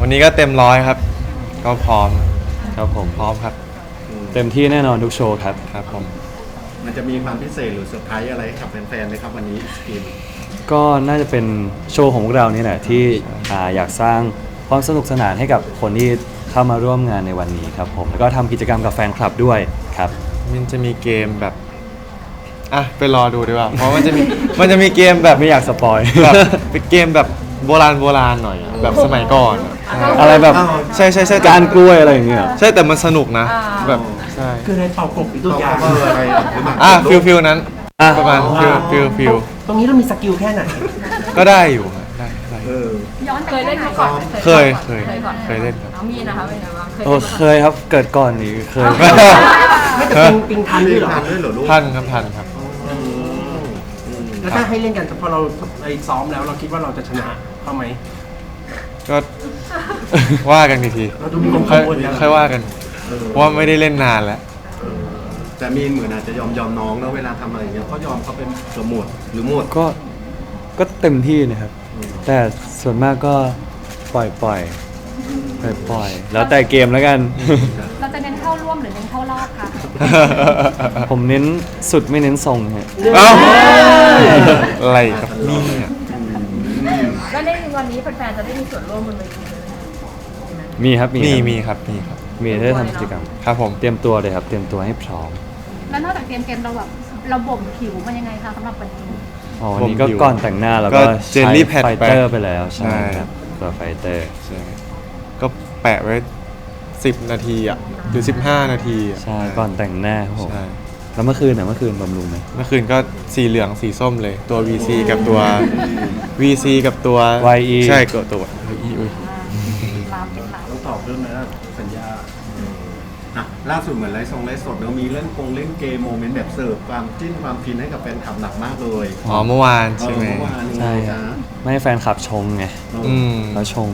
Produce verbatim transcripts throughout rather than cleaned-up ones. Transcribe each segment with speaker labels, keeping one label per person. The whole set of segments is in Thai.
Speaker 1: วันนี้ก็เต็มร้อยครับก็พร้อม
Speaker 2: ครับผม
Speaker 1: พร้อมครับ
Speaker 2: เต็มที่แน่นอนทุกโชว์ครับ
Speaker 1: ครับผม
Speaker 3: มันจะมีความพิเศษหรือเซอร์ไพรส์อะไรให้กับแฟนๆไหมครับวันนี้สกิน
Speaker 2: ก็น่าจะเป็นโชว์ของพวกเรานี่แหละที่อ่าอยากสร้างความสนุกสนานให้กับคนที่เข้ามาร่วมงานในวันนี้ครับผมแล้วก็ทำกิจกรรมกับแฟนคลับด้วยครับ
Speaker 1: มันจะมีเกมแบบอ่ะไปรอดูดีกว่าเพราะมันจะมีมันจะมีเกมแบบ
Speaker 2: ไม่อยากสปอย
Speaker 1: แบบเป็นเกมแบบโบราณโบราณหน่อยแบบสมัยก่อน
Speaker 2: อะไรแบบ
Speaker 1: ใช่ใช่ใช่
Speaker 2: การกล้วยอะไรอย่างเงี้ย
Speaker 1: ใช่แต่มันสนุกนะแบบใช่
Speaker 3: คือในเป่ากบอีกตัวอย่างอะไร
Speaker 1: อ่ะฟิลฟิลนั้นประมาณฟิลฟิลฟิล
Speaker 3: ตรงนี้เรามีสกิลแค่ไหน
Speaker 1: ก็ได้อยู่ได้ได้
Speaker 4: ย้อนเคยเล่นมาก่อน
Speaker 1: เคยเคยเคยเล่นครับ
Speaker 4: น้องมีนะคะเป็นไงบ้าง
Speaker 2: โอ้เคยครับเกิดก่อนนี่เคย
Speaker 3: ไม่แต่ปิงปิงทันด้วยเหรอ
Speaker 1: ทันครับทันครับ
Speaker 3: แล้วถ้าให้เล่นกันพอเราไปซ้อมแล้วเราคิดว่าเราจะชนะเขาไหม
Speaker 1: ก็ว่ากันทีทีค่อยว่ากันเพราะว่าไม่ได้เล่นนานแล้ว
Speaker 3: แต่มีเหมือนอาจจะยอมยอมน้องแล้วเวลาทำอะไรเงี้ยเขายอมเขาเป็นสมหมดหรือหมด
Speaker 2: ก็ก็เต็มที่นะครับแต่ส่วนมากก็ปล่อยปล่อยปล่อยปล่อยแล้วแต่เกมแล้วกัน
Speaker 4: เราจะเน้นเข้าร่วมหรือเน้นเข้ารอบคะ
Speaker 2: ผมเน้นสุดไม่เน้นทรงฮะ
Speaker 1: เอ้าอะไรกับนี่เนี่ย
Speaker 4: ก็ในวันนี้แฟนๆจะได้มีส่วนร่วมบนเวที
Speaker 2: มีครับ
Speaker 1: มีมีครับมีครับ
Speaker 2: มีได้ทำกิจกรรม
Speaker 1: ครับผม
Speaker 2: เตรียมตัวเลยครับเตรียมตัวให้พร้อม
Speaker 4: แล้วนอกจากเตรียมเกมเราแบบเราบ่มผิวมันยังไงคะสำหรับวันนี้
Speaker 2: อ๋อวันนี้ก็ก่อนแต่งหน้าแล้วก็
Speaker 1: เจลลี่แพด
Speaker 2: ไฟเตอร์ไปแล้วใช่ครับตัวไฟเตอร์
Speaker 1: ใช่ก็แปะไว้สิบนาทีอ่ะหรือสิบห้านาที
Speaker 2: ใช่ก่อนแต่งหน้าครับผมแล้วเมื่อคืนน่ะเมื่อคืนบำรุงไหม
Speaker 1: เมื่อคืนก็สีเหลืองสีส้มเลยตัว วี ซี กับตัว วี ซี กับตัว
Speaker 2: วาย อี
Speaker 1: ใช่ก็ตัว วาย อี อุ้ย
Speaker 3: ต้องตอบเรื่องนะสัญญาล่าสุดเหมือนไลฟ์ทรงไลฟ์สดเรามีเล่นกงเล่นเกมโมเมนต์แบบเสิร์ฟความจิ้นความฟินให้กับแฟนคลับหนักมากเลย
Speaker 1: อ๋อเมื่อวานใช่ไหม
Speaker 2: ใช่ไม่ให้แฟนคลับชงไงแล้วชง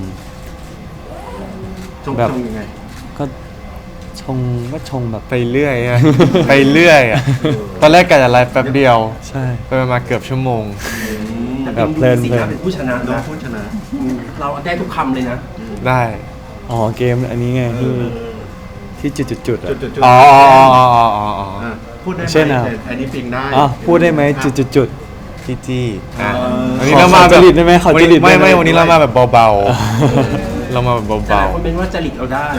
Speaker 3: แบบยังไง
Speaker 2: ก็ชงก็ชงแบบ
Speaker 1: ไปเรื่อยอะไปเรื่อยอะตอนแรกกะจะไลฟ์แป๊บเดียว
Speaker 2: ใช่
Speaker 1: ไปมาเกือบชั่วโมง
Speaker 3: แบบเพลินเพลินเป็นผู้ชนะนะผู้ชนะเราได้ทุกคำเลยนะ
Speaker 1: ได้
Speaker 2: อ๋อเกมอันนี้ไงที่ที่จุดจุดจุด
Speaker 1: อ๋อ
Speaker 3: พูดได้เช่นอะอันนี้ปิงได้
Speaker 2: อ๋อพูดได้ไหมจุดจุดจุด
Speaker 1: จี้จี้
Speaker 2: วันนี้เรามาแบบได้ไหมเขาจริต
Speaker 1: ไม่ไม่วันนี้เรามาแบบเบาๆเรามาแบบเบา
Speaker 3: ๆคนเป็นว่าจริตเราได้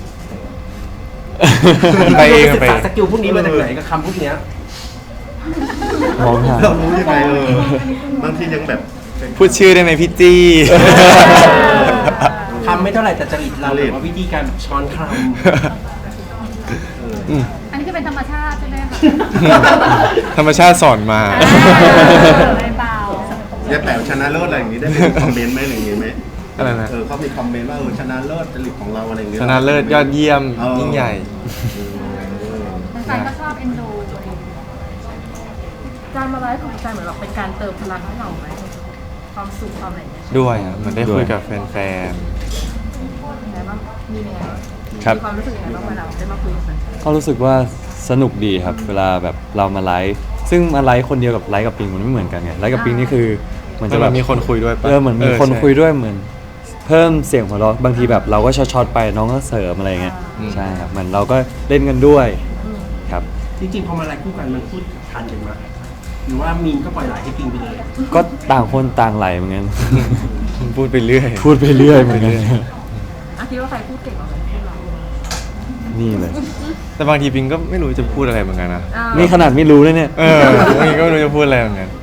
Speaker 1: ไปเองไป
Speaker 3: สกิลพวกนี้มาจากไหนกับคำพวกนี้
Speaker 2: มองหา
Speaker 3: เรารู้ยังไงเออบางทียังแบบ
Speaker 1: พูดชื่อได้ไหมพี่จี้
Speaker 3: คำไม่เท่าไหร่แต่จริตเราเลยว่าวิธีการช้อนคำ
Speaker 4: อันนี้คือเป็นธรรมชาติใช่ไหมคะ
Speaker 1: ธรรมชาติสอนมา
Speaker 4: ไม่เบา
Speaker 3: จะแปลชนะเลิศอะไรอย่างนี้ได้คอมเมนต์ไหมอะไรอย่างนี้ไหม
Speaker 1: อะไรนะ
Speaker 3: เออเขามีคอมเมนต์ว่าเออชนะเลิศจริตของเราอะไรอย่างเงี้ย
Speaker 1: ชนะเลิศยอดเยี่ยมยิ่งใหญ่
Speaker 4: แฟนก็ชอบเอ็นดูการมาไลฟ์ของใจเหมือนแบบเป็นการเติมพลังให้เราไหมความสุขความอะไร
Speaker 1: ด้วยอ่ะเหมือนได้คุยกับแฟน
Speaker 4: ๆไงบ้างมีไง
Speaker 2: ครับ
Speaker 4: ความรู้สึกยังไงบ้างเวลาได้มาคุยกับแฟน
Speaker 2: ก็รู้สึกว่าสนุกดีครับเวลาแบบเรามาไลฟ์ซึ่งมาไลฟ์คนเดียวกับไลฟ์กับปิงมันไม่เหมือนกันไงไลฟ์กับปิงนี่คือ
Speaker 1: เหมือนจะแบบมีคนคุยด้วย
Speaker 2: เออเหมือนมีคนคุยด้วยเหมือนเพิ่มเสียงหัวเราะบางทีแบบเราก็ช็อตๆไปน้องก็เสริมอะไรเงี้ยใช่ครับเหมือนเราก็เล่นกันด้วยครับ
Speaker 3: จริงๆพอมาไลฟ์คู่กันมันพูดทันกันไหมหรือว่ามีนก็ปล่อยไหลให้ปิงไปเลย
Speaker 2: ก็ต่างคนต่างไหลเหมือนกัน
Speaker 1: พูดไปเรื่อย
Speaker 2: พูดไปเรื่อยเหมือนกัน
Speaker 4: คิดว่าใครพูดเก่งกว่ากันพูดเรา
Speaker 2: นี่เลย
Speaker 1: แต่บางทีปิงก็ไม่รู้จะพูดอะไรเหมือนกันนะ
Speaker 2: นี่ขนาดไม่รู้เลยเนี่ย
Speaker 1: เออบางทีก็ไม่รู้จะพูดอะไรเหมือนกัน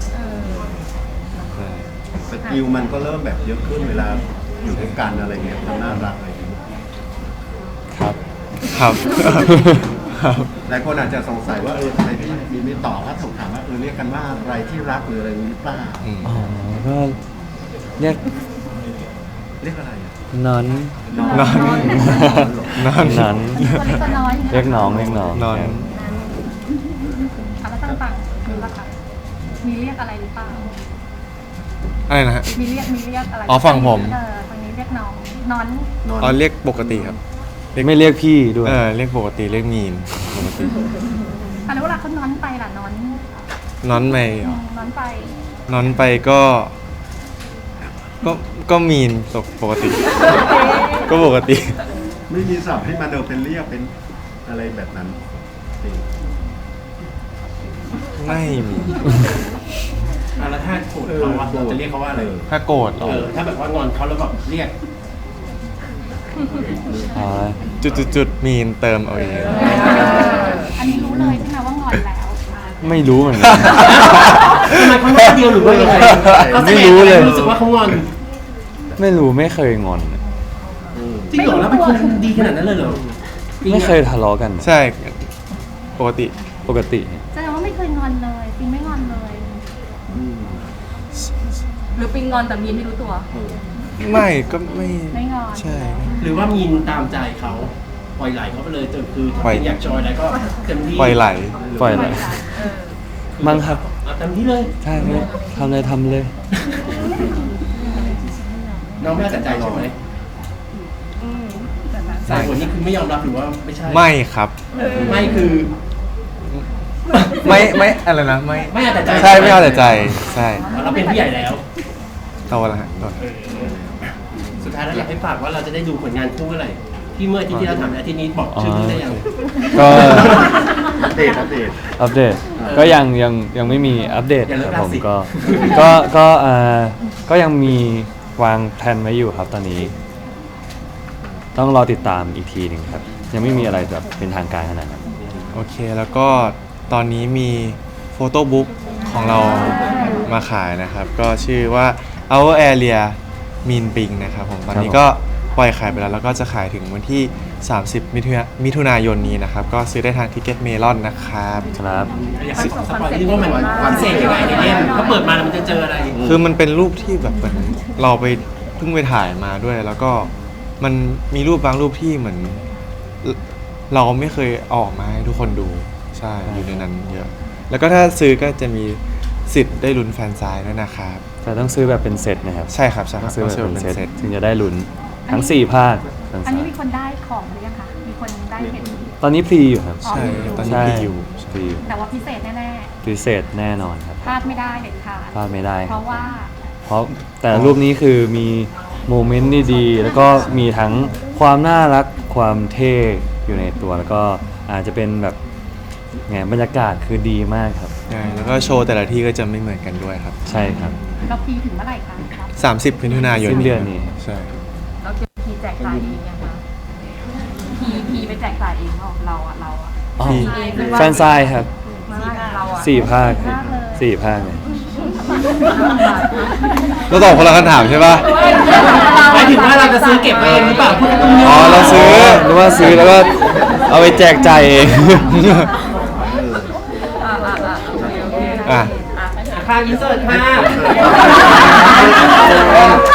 Speaker 3: สกิลมันก็เริ่มแบบเยอะขึ้นเวลาอยู่ด้วยกันอะไรเงี้ยทำน่ารักอะไร
Speaker 2: ครับ
Speaker 1: ครับ
Speaker 3: หลายคนอาจจะสงสัยว่าเออทำไมพี่มีไม่ตอบถ้าถูกถามว่าเออเรียกกันว่าอะไรที่รักหรืออะไรนี้หรือเปล่า
Speaker 2: อ๋อก็เรียก
Speaker 3: เรียกอะไร
Speaker 2: นอน
Speaker 1: นอนนอน
Speaker 2: นอนเรียกน้องเรียกน้อง
Speaker 1: นอน
Speaker 4: แล้วต่างๆมีละค่ะมีเรียกอะไรหรือเปล่า
Speaker 1: อะไรนะฮะ
Speaker 4: มีเรียกมีเรียกอะไร
Speaker 1: อ๋อฝั่งผม
Speaker 4: เออฝั่งนี้เรียกน้องนอน
Speaker 1: อ๋อเรียกปกติครับ
Speaker 2: ไม่เรียกพี่ด้วย
Speaker 1: เออเรียกปกติเรียกมีนปกติ
Speaker 4: แล้วเวลาเขานอนไปล่ะนอน
Speaker 1: นอนไป
Speaker 4: นอนไป
Speaker 1: นอนไปก็
Speaker 4: น
Speaker 1: ก็ก็มีนปกติ ก็ปกติ
Speaker 3: ไม่มีศัพท์ให้มาเดินเป็นเรียกเป็นอะไรแบบนั้นจริง
Speaker 1: ไม่มี
Speaker 5: อ่ะแล้วถ้าโกรธเขาอะเราจะเรียกเขาว่าอะไร
Speaker 1: ถ้าโกรธเหรอ
Speaker 5: เออถ้าแบบว่างอนเขาแล้วแบบเรียก
Speaker 2: อ๋อ
Speaker 1: จุดจุดจุดมีนเติมเอาเอง
Speaker 6: อันนี้รู้เลยใช่ไหมว่างอนแล้ว
Speaker 2: ไม่รู้เหมือนกัน
Speaker 5: ทำไมเขาหน้าเดียวหรือว่ายังไงเขาแสดง
Speaker 2: ไม่รู้เลย
Speaker 5: รู้สึกว่าเขางอน
Speaker 2: ไม่รู้ไม่เคยงอน
Speaker 5: จริงเหรอแล้วเป็นคนดีขนาดนั้นเลยเหรอ
Speaker 2: ไม่เคยทะเลาะกัน
Speaker 1: ใช่ปกติ
Speaker 2: ปกติ
Speaker 6: แสดงว่าไม่เคยงอนเลยปิงไม่งอนเลย
Speaker 4: หรือปิงงอนแต่มีนไม่รู้ตัว
Speaker 1: ไม่ก็ไม่
Speaker 6: ไม่งอน
Speaker 1: ใช่
Speaker 5: หรือว่ามีนตามใจเขาปล่อยไหลเขาไปเลยจนคือถ้า
Speaker 1: ปล่อย
Speaker 5: เป็นอยากจอยอะไรก็เต็มที่
Speaker 1: ปล่อยไหล
Speaker 2: ปล่อยเลย
Speaker 4: เออ
Speaker 2: มั้งครับ
Speaker 5: เอาเต็มที่เลย
Speaker 2: ใช่ไหมทำเลยทำเลย
Speaker 5: น้องไม่ตัดใจใช่ไหม
Speaker 4: อืม
Speaker 5: สายคนนี้คือไม่ยอมรับหรือว่าไม่ใช่
Speaker 1: ไม่ครับ
Speaker 5: ไม่คือ
Speaker 1: ไม่ไม่อะไรนะไม่
Speaker 5: ไม่เอาแต่ใจ
Speaker 1: ใช่ไม่เอาแต่ใจใช่
Speaker 5: เราเป็นผู้ใหญ่แล้ว
Speaker 1: โตแล้วฮะโตแล้ว
Speaker 5: สุดท้ายแล้วอยากให้ฝากว่าเราจะได้ดูผลงานคู่เมื่อไหร่ที่เมื่ออาทิตย์ที่เราถามอาทิตย์นี้บอกชื่อคู่ได้ยัง
Speaker 2: ก็
Speaker 3: อัปเดตอัปเดต
Speaker 2: อัปเดตก็ยังยังยังไม่มีอัปเดต
Speaker 5: อย่าเลิ
Speaker 2: ค
Speaker 5: ก
Speaker 2: รับผม
Speaker 5: ราศี
Speaker 2: ก็ก็ก็เอ่อก็ยังมีวางแผนไว้อยู่ครับตอนนี้ ต้องรอติดตามอีกทีหนึ่งครับ ยังไม่มีอะไรแบบเป็นทางการขนาดนั้น
Speaker 1: โอเคแล้วก็ตอนนี้มีโฟโต้บุ๊กของเรามาขายนะครับ ก็ชื่อว่า Our Area Mean Ping นะครับผมตอนนี้ก็ปล่อยขายไปแล้ว แล้วก็จะขายถึงวันที่ สามสิบ มิถุนามิถุนายนนี้นะครับ ก็ซื้อได้ทางทิกเก็ตเมลอนนะครับ
Speaker 2: ครับ
Speaker 5: อยากให้สปอยนิดนึงว่ามันพิเศษยังไงในเล่มถ้าเปิดมาแล้วมันจะเจออะไร
Speaker 1: คือมันเป็นรูปที่แบบเหมือนเราไปเพิ่งไปถ่ายมาด้วย แล้วก็มันมีรูปบางรูปที่เหมือน เราไม่เคยเอาออกมาให้ทุกคนดูใช่อยู่ในนั้นเยอะ แล้วก็ถ้าซื้อก็จะมีสิทธิ์ได้ลุ้นแฟนซายด้วยนะครับ
Speaker 2: แต่ต้องซื้อแบบเป็นเซตนะครับ
Speaker 1: ใช่ครับใช่ค
Speaker 2: ต้
Speaker 1: รั
Speaker 2: อบ งซื้อ
Speaker 1: ต้อง
Speaker 2: แบบ
Speaker 1: ซื้อ
Speaker 2: เป็น
Speaker 1: เป็น
Speaker 2: เซต
Speaker 1: เซต
Speaker 2: ถึงจะได้ลุ้นทั้งสี่ภาคทั้ง
Speaker 6: อัน
Speaker 2: สา
Speaker 6: นี้
Speaker 2: ม
Speaker 6: มีคนได้ของหรือยังคะมีคนได้เห็น
Speaker 2: ตอนนี้พรีอยู่ครับ
Speaker 1: ใช่ตอนนี้
Speaker 2: ใช่
Speaker 1: มีอยู่
Speaker 2: พรีอยู่
Speaker 6: แต่ว่าพิเศษแน่
Speaker 2: พิเศษแน่นอนครับ
Speaker 6: ๆพลาดไม่ได้เด็ดขาด
Speaker 2: พลาดไม่ได้
Speaker 6: เพราะว่า
Speaker 2: เพราะแต่รูปนี้คือมีโมเมนต์ดีๆแล้วก็มีทั้งความน่ารักความเท่อยู่ในตัวแล้วก็อาจจะเป็นแบบไงบรรยากาศคือดีมากครับ
Speaker 1: ใช่แล้วก็โชว์แต่ละที่ก็จะไม่เหมือนกันด้วยครับ
Speaker 2: ใช่ครับ
Speaker 6: เราพีถึงเมื่อไหร่คะครับ
Speaker 1: สามสิบ มิถุนายน
Speaker 2: สิ้นเดือนนี้
Speaker 1: ใช่
Speaker 4: เราจะพีแจกจ่ายเองยังคะพีพีไปแจกจ่ายเองเราเราอะเราอะ
Speaker 2: อ๋อ
Speaker 1: ที่
Speaker 2: แฟนซายครับ
Speaker 4: มาเราอะ
Speaker 2: สี่ภาคสี่ภาคเลย
Speaker 1: เราตอบคนละคำถามใช่ป่ะ
Speaker 5: หมายถึงว่าเราจะซื้อเก็บไว้เองหรือเปล่าพูดตรงนี้
Speaker 1: อ๋อเราซื้อ
Speaker 2: หรือว่าซื้อแล้วก็เอาไปแจกจ่ายเอง
Speaker 4: อ่าอ่าอ่าโอเคโอเค
Speaker 1: อ่ะ
Speaker 4: อ่ะ
Speaker 5: ค่าอินเสิร์ตค่ะ